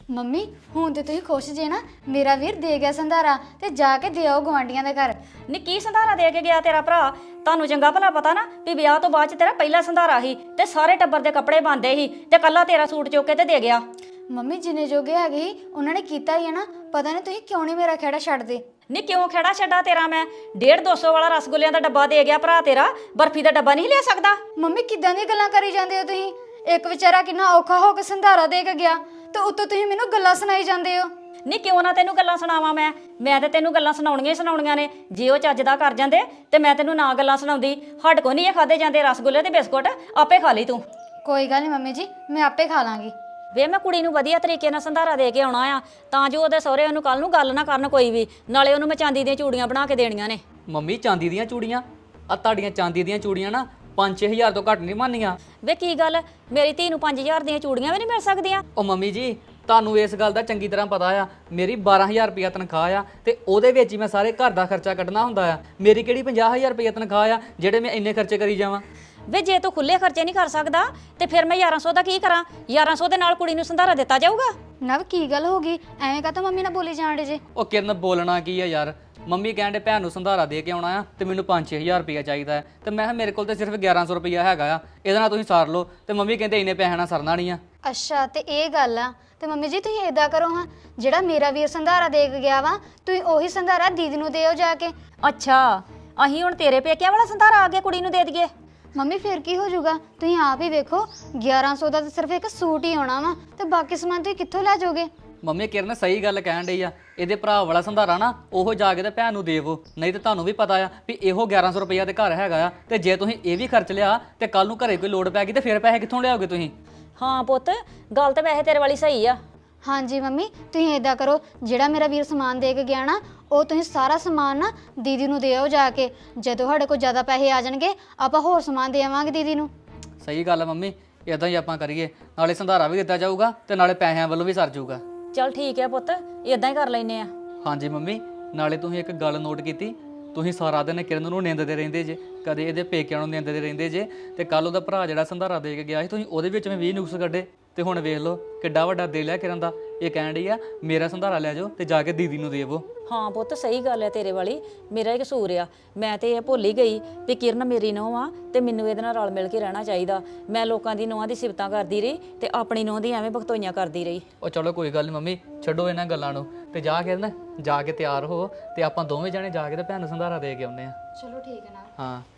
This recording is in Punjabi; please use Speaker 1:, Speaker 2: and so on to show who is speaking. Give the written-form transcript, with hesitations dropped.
Speaker 1: ਮੰਮੀ ਹੁਣ ਤੇ ਤੁਸੀਂ ਖੁਸ਼ ਜੇ ਨਾ, ਮੇਰਾ ਵੀਰ ਦੇ ਗਿਆ ਸੰਧਾਰਾ ਤੇ ਜਾ ਕੇ ਦੇ ਆਓ ਗਵਾਂਡੀਆਂ ਦੇ ਘਰ।
Speaker 2: ਨੀ ਕੀ ਸੰਧਾਰਾ ਦੇ ਕੇ ਗਿਆ ਤੇਰਾ ਭਰਾ? ਤੁਹਾਨੂੰ ਚੰਗਾ ਭਲਾ ਪਤਾ ਨਾ ਵੀ ਵਿਆਹ ਤੋਂ ਬਾਅਦ ਚ ਤੇਰਾ ਪਹਿਲਾ ਸੰਧਾਰਾ ਸੀ ਤੇ ਸਾਰੇ ਟੱਬਰ ਦੇ ਕੱਪੜੇ ਬੰਦੇ ਸੀ ਤੇ ਕੱਲਾ ਤੇਰਾ ਸੂਟ ਚੁੱਕ ਕੇ ਤੇ ਦੇ ਗਿਆ।
Speaker 1: ਮੰਮੀ ਜਿੰਨੇ ਜੋਗੇ ਹੈਗੇ ਸੀ ਉਹਨਾਂ ਨੇ ਕੀਤਾ ਹੀ ਹੈ ਨਾ, ਪਤਾ ਨਹੀਂ ਤੁਸੀਂ ਕਿਉਂ ਨਹੀਂ ਮੇਰਾ ਖਹਿੜਾ ਛੱਡਦੇ।
Speaker 2: ਨੀ ਕਿਉਂ ਖੜਾ ਛੱਡਾ ਤੇਰਾ ਮੈਂ? 150-200 ਵਾਲਾ ਰਸਗੁੱਲਿਆਂ ਦਾ ਡੱਬਾ ਦੇ ਗਿਆ ਭਰਾ ਤੇਰਾ, ਬਰਫੀ ਦਾ ਡੱਬਾ ਨਹੀਂ ਲਿਆ ਸਕਦਾ?
Speaker 1: ਮੰਮੀ ਕਿੱਦਾਂ ਦੀਆਂ ਗੱਲਾਂ ਕਰੀ ਜਾਂਦੇ ਹੋ ਤੁਸੀਂ? ਇੱਕ ਵਿਚਾਰਾ ਕਿੰਨਾ ਔਖਾ ਹੋ ਕੇ ਸੰਧਾਰਾ ਦੇ ਕੇ ਗਿਆ ਤੇ ਉੱਤੋਂ ਤੁਸੀਂ ਮੈਨੂੰ ਗੱਲਾਂ ਸੁਣਾਈ ਜਾਂਦੇ ਹੋ।
Speaker 2: ਨੀ ਕਿਉਂ ਨਾ ਤੈਨੂੰ ਗੱਲਾਂ ਸੁਣਾਵਾਂ ਮੈਂ ਤੇ ਤੈਨੂੰ ਗੱਲਾਂ ਸੁਣਾਉਣੀਆਂ ਹੀ ਸੁਣਾਉਣੀਆਂ ਨੇ। ਜੇ ਉਹ ਚੱਜ ਦਾ ਕਰ ਜਾਂਦੇ ਤੇ ਮੈਂ ਤੈਨੂੰ ਨਾ ਗੱਲਾਂ ਸੁਣਾਉਂਦੀ। ਹੱਡ ਕੋ ਨਹੀਂ ਇਹ ਖਾਦੇ ਜਾਂਦੇ ਰਸਗੁੱਲੇ ਤੇ ਬਿਸਕੁਟ, ਆਪੇ ਖਾ ਲਈ ਤੂੰ।
Speaker 1: ਕੋਈ ਗੱਲ ਨਹੀਂ ਮੰਮੀ ਜੀ, ਮੈਂ ਆਪੇ ਖਾ ਲਾਂਗੀ।
Speaker 2: ਵੇ ਮੈਂ ਕੁੜੀ ਨੂੰ ਵਧੀਆ ਤਰੀਕੇ ਨਾਲ ਸੰਧਾਰਾ ਦੇ ਕੇ ਆਉਣਾ ਆ ਤਾਂ ਜੋ ਉਹਦੇ ਸਹੁਰੇ ਉਹਨੂੰ ਕੱਲ ਨੂੰ ਗੱਲ ਨਾ ਕਰਨ ਕੋਈ ਵੀ। ਨਾਲੇ ਉਹਨੂੰ ਮੈਂ ਚਾਂਦੀ ਦੀਆਂ ਚੂੜੀਆਂ ਬਣਾ ਕੇ ਦੇਣੀਆਂ ਨੇ।
Speaker 3: ਮੰਮੀ ਚਾਂਦੀ ਦੀਆਂ ਚੂੜੀਆਂ? ਆ ਤੁਹਾਡੀਆਂ ਚਾਂਦੀ ਦੀਆਂ ਚੂੜੀਆਂ ਨਾ 5-6 ਹਜ਼ਾਰ ਤੋਂ ਘੱਟ ਨਹੀਂ ਮੰਨੀਆਂ।
Speaker 2: ਵੇ ਕੀ ਗੱਲ, ਮੇਰੀ ਧੀ ਨੂੰ 5000 ਦੀਆਂ ਚੂੜੀਆਂ ਵੀ ਨਹੀਂ ਮਿਲ ਸਕਦੀਆਂ?
Speaker 3: ਉਹ ਮੰਮੀ ਜੀ ਤੁਹਾਨੂੰ ਇਸ ਗੱਲ ਦਾ ਚੰਗੀ ਤਰ੍ਹਾਂ ਪਤਾ ਆ, ਮੇਰੀ 12000 ਰੁਪਇਆ ਤਨਖਾਹ ਆ ਤੇ ਉਹਦੇ ਵਿੱਚ ਹੀ ਮੈਂ ਸਾਰੇ ਘਰ ਦਾ ਖਰਚਾ ਕੱਢਣਾ ਹੁੰਦਾ ਆ। ਮੇਰੀ ਕਿਹੜੀ 50000 ਰੁਪਇਆ ਤਨਖਾਹ ਆ ਜਿਹੜੇ ਮੈਂ ਇੰਨੇ ਖਰਚੇ ਕਰੀ ਜਾਵਾਂ?
Speaker 2: ਵੇ ਜੇ ਤੂੰ ਖੁੱਲੇ ਖਰਚੇ ਨਹੀਂ ਕਰ ਸਕਦਾ ਤੇ ਫਿਰ ਮੈਂ 1100 ਦਾ ਕੀ ਕਰਾਂ? 1100 ਦੇ ਨਾਲ ਕੁੜੀ ਨੂੰ ਸੰਧਾਰਾ ਦਿੱਤਾ ਜਾਊਗਾ?
Speaker 1: ਨਵ ਕੀ ਗੱਲ ਹੋ ਗਈ? ਐਵੇਂ ਕਾਹਤੋਂ ਮੰਮੀ ਨਾਲ ਬੋਲੀ ਜਾਣ ਡੇ ਜੇ?
Speaker 3: ਉਹ ਕਿਰਨ ਬੋਲਣਾ ਕੀ ਆ ਯਾਰ, ਮੰਮੀ ਕਹਿੰਦੇ ਭੈਣ ਨੂੰ ਸੰਧਾਰਾ ਦੇ ਕੇ ਆਉਣਾ ਆ ਤੇ ਮੈਨੂੰ 5-6 ਹਜ਼ਾਰ ਰੁਪਇਆ ਚਾਹੀਦਾ ਹੈ ਤੇ ਮੈਂ ਕਿਹਾ ਮੇਰੇ ਕੋਲ ਤੇ ਸਿਰਫ 1100 ਰੁਪਇਆ ਹੈਗਾ ਆ, ਇਹਦੇ ਨਾਲ ਤੁਸੀਂ ਸਾਰ ਲਓ। ਤੇ ਮੰਮੀ ਕਹਿੰਦੇ ਇੰਨੇ ਪੈਸੇ ਨਾਲ ਸਰਨਾ ਨਹੀਂ ਆ।
Speaker 1: ਅੱਛਾ ਤੇ ਇਹ ਗੱਲ ਆ। ਤੇ ਮੰਮੀ ਜੀ ਤੁਸੀਂ ਏਦਾਂ ਕਰੋ ਹਾਂ, ਜਿਹੜਾ ਮੇਰਾ ਵੀਰ ਸੰਧਾਰਾ ਦੇ ਕੇ ਗਿਆ ਵਾ ਤੁਸੀਂ ਉਹੀ ਸੰਧਾਰਾ ਦੀਦੀ ਨੂੰ ਦਿਓ ਜਾ ਕੇ।
Speaker 2: ਅੱਛਾ, ਅਸੀਂ ਹੁਣ ਤੇਰੇ ਪੇਕਿਆਂ ਵਾਲਾ ਸੰਧਾਰਾ ਆ ਕੇ ਕੁੜੀ ਨੂੰ ਦੇ ਦਈਏ?
Speaker 1: ਮੰਮੀ ਫਿਰ ਕੀ ਹੋ ਜਾਊਗਾ? ਤੁਸੀਂ ਆਪ ਹੀ ਵੇਖੋ 1100 ਦਾ ਤਾਂ ਸਿਰਫ ਇੱਕ ਸੂਟ ਹੀ ਆਉਣਾ ਵਾ ਤੇ ਬਾਕੀ ਸਮਾਨ ਤੁਸੀਂ ਕਿੱਥੋਂ ਲੈ ਜਾਓਗੇ?
Speaker 3: ਮੰਮੀ ਕਿਰਨ ਸਹੀ ਗੱਲ ਕਹਿਣ ਡਈ ਆ, ਇਹਦੇ ਭਰਾ ਵਾਲਾ ਸੰਧਾਰਾ ਨਾ ਉਹ ਜਾ ਕੇ ਤੇ ਭੈਣ ਨੂੰ ਦੇਵੋ, ਨਹੀਂ ਤੇ ਤੁਹਾਨੂੰ ਵੀ ਪਤਾ ਆ ਵੀ ਇਹੋ 1100 ਰੁਪਇਆ ਤੇ ਘਰ ਹੈਗਾ ਆ ਤੇ ਜੇ ਤੁਸੀਂ ਇਹ ਵੀ ਖਰਚ ਲਿਆ ਤੇ ਕੱਲ ਨੂੰ ਘਰੇ ਕੋਈ ਲੋੜ ਪੈ ਗਈ ਤੇ ਫਿਰ ਪੈਸੇ ਕਿੱਥੋਂ ਲਿਆਓਗੇ ਤੁਸੀਂ?
Speaker 2: ਹਾਂ ਪੁੱਤ, ਗੱਲ ਤਾਂ ਵੈਸੇ ਤੇਰੇ ਵਾਲੀ ਸਹੀ ਆ।
Speaker 1: ਹਾਂਜੀ ਮੰਮੀ ਤੁਸੀਂ ਏਦਾਂ ਕਰੋ, ਜਿਹੜਾ ਮੇਰਾ ਵੀਰ ਸਮਾਨ ਦੇ ਕੇ ਗਿਆ ਨਾ ਉਹ ਤੁਸੀਂ ਸਾਰਾ ਸਮਾਨ ਨਾ ਦੀਦੀ ਨੂੰ ਦਿਓ ਜਾ ਕੇ। ਜਦੋਂ ਸਾਡੇ ਕੋਲ ਜ਼ਿਆਦਾ ਪੈਸੇ ਆ ਜਾਣਗੇ ਆਪਾਂ ਹੋਰ ਸਮਾਨ ਦੇਵਾਂਗੇ ਦੀਦੀ ਨੂੰ।
Speaker 3: ਸਹੀ ਗੱਲ ਆ ਮੰਮੀ, ਇਦਾਂ ਹੀ ਆਪਾਂ ਕਰੀਏ, ਨਾਲੇ ਸੰਧਾਰਾ ਵੀ ਦਿੱਤਾ ਜਾਊਗਾ ਤੇ ਨਾਲੇ ਪੈਸਿਆਂ ਵੱਲੋਂ ਵੀ ਸਰ ਜਾਊਗਾ।
Speaker 2: ਚੱਲ ਠੀਕ ਹੈ ਪੁੱਤ, ਇਦਾਂ ਹੀ ਕਰ ਲੈਨੇ ਆ।
Speaker 3: ਹਾਂਜੀ ਮੰਮੀ, ਨਾਲੇ ਤੁਸੀਂ ਇੱਕ ਗੱਲ ਨੋਟ ਕੀਤੀ, ਤੁਸੀਂ ਸਾਰਾ ਦਿਨ ਕਿਰਨ ਨੂੰ ਨਿੰਦਦੇ ਰਹਿੰਦੇ ਜੇ, ਕਦੇ ਇਹਦੇ ਪੇਕਿਆਂ ਨੂੰ ਨਿੰਦਦੇ ਰਹਿੰਦੇ ਜੇ ਤੇ ਕੱਲ ਉਹਦਾ ਭਰਾ ਜਿਹੜਾ ਸੰਧਾਰਾ ਦੇ ਕੇ ਗਿਆ ਸੀ ਤੁਸੀਂ ਉਹਦੇ ਵਿੱਚ ਮੈਂ 20 ਨੁਕਸ ਕੱਢੇ ਤੇ ਹੁਣ ਵੇਖ ਲਓ ਕਿੱਡਾ ਵੱਡਾ ਦਿਲ ਹੈ ਕਿਰਨ ਦਾ। ਇਹ ਕਹਿਣ ਡਈ ਆ ਮੇਰਾ ਸੰਧਾਰਾ ਲੈ ਜਾਓ ਤੇ ਜਾ ਕੇ ਦੀਦੀ ਨੂੰ ਦੇਵੋ।
Speaker 2: ਹਾਂ ਪੁੱਤ ਸਹੀ ਗੱਲ ਹੈ ਤੇਰੇ ਵਾਲੀ, ਮੇਰਾ ਹੀ ਕਸੂਰ ਆ। ਮੈਂ ਤੇ ਇਹ ਭੁੱਲ ਹੀ ਗਈ ਵੀ ਕਿਰਨ ਮੇਰੀ ਨੂੰਹ ਆ ਤੇ ਮੈਨੂੰ ਇਹਦੇ ਨਾਲ ਰਲ ਮਿਲ ਕੇ ਰਹਿਣਾ ਚਾਹੀਦਾ। ਮੈਂ ਲੋਕਾਂ ਦੀ ਨੂੰਹਾਂ ਦੀ ਸਿਫਤਾਂ ਕਰਦੀ ਰਹੀ ਤੇ ਆਪਣੀ ਨੂੰਹ ਦੀ ਐਵੇਂ ਭਗਤੋਈਆਂ ਕਰਦੀ ਰਹੀ।
Speaker 3: ਉਹ ਚਲੋ ਕੋਈ ਗੱਲ ਨਹੀਂ ਮੰਮੀ, ਛੱਡੋ ਇਹਨਾਂ ਗੱਲਾਂ ਨੂੰ ਤੇ ਜਾ ਕੇ ਨਾ ਜਾ ਕੇ ਤਿਆਰ ਹੋ ਤੇ ਆਪਾਂ ਦੋਵੇਂ ਜਾਣੇ ਜਾ ਕੇ ਤੇ ਭੈਣ ਨੂੰ ਸੰਧਾਰਾ ਦੇ ਕੇ ਆਉਂਦੇ ਆ।
Speaker 1: ਚਲੋ ਠੀਕ ਹੈ ਨਾ।
Speaker 3: ਹਾਂ।